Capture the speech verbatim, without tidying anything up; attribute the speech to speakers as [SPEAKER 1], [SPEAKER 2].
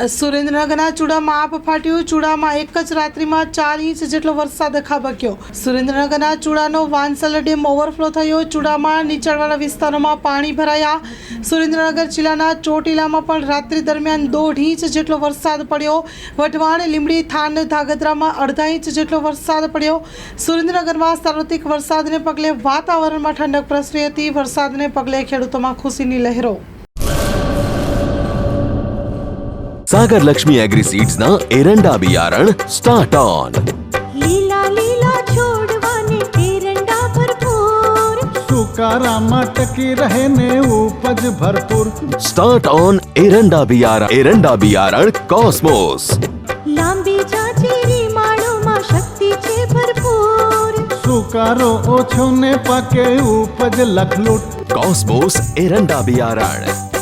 [SPEAKER 1] સુરેન્દ્રનગરના ચૂડામાં આપ ફાટ્યું। ચૂડામાં એક જ રાત્રિમાં ચાર ઇંચ જેટલો વરસાદ ખાબક્યો। સુરેન્દ્રનગરના ચૂડાનો વાંસલ ડેમ ઓવરફ્લો થયો। ચૂડામાં નીચાણવાળા વિસ્તારોમાં પાણી ભરાયા। સુરેન્દ્રનગર જિલ્લાના ચોટીલામાં પણ રાત્રિ દરમિયાન દોઢ ઇંચ જેટલો વરસાદ પડ્યો। વઢવાણ, લીંબડી, થાન, ધાંગધ્રામાં અડધા ઇંચ જેટલો વરસાદ પડ્યો। સુરેન્દ્રનગરમાં સાર્વત્રિક વરસાદને પગલે વાતાવરણમાં ઠંડક પ્રસરી હતી। વરસાદને પગલે ખેડૂતોમાં ખુશીની લહેરો।
[SPEAKER 2] सागर लक्ष्मी एग्री सीड्स ना एरंडा बियारण स्टार्ट ऑन।
[SPEAKER 3] लीला लीला छोड़वाने एरंडा भरपूर,
[SPEAKER 4] सुकारामा टकी रहे ने उपज भरपूर।
[SPEAKER 2] स्टार्ट ऑन एरंडा बियारण एरंडा बियारण कॉस्मोस।
[SPEAKER 3] लांबी जाचेरी माळो मा शक्ति छे भरपूर,
[SPEAKER 4] सुकारो ओछो ने पाके उपज लखलूट।
[SPEAKER 2] कॉस्मोस एरंडा बियारण।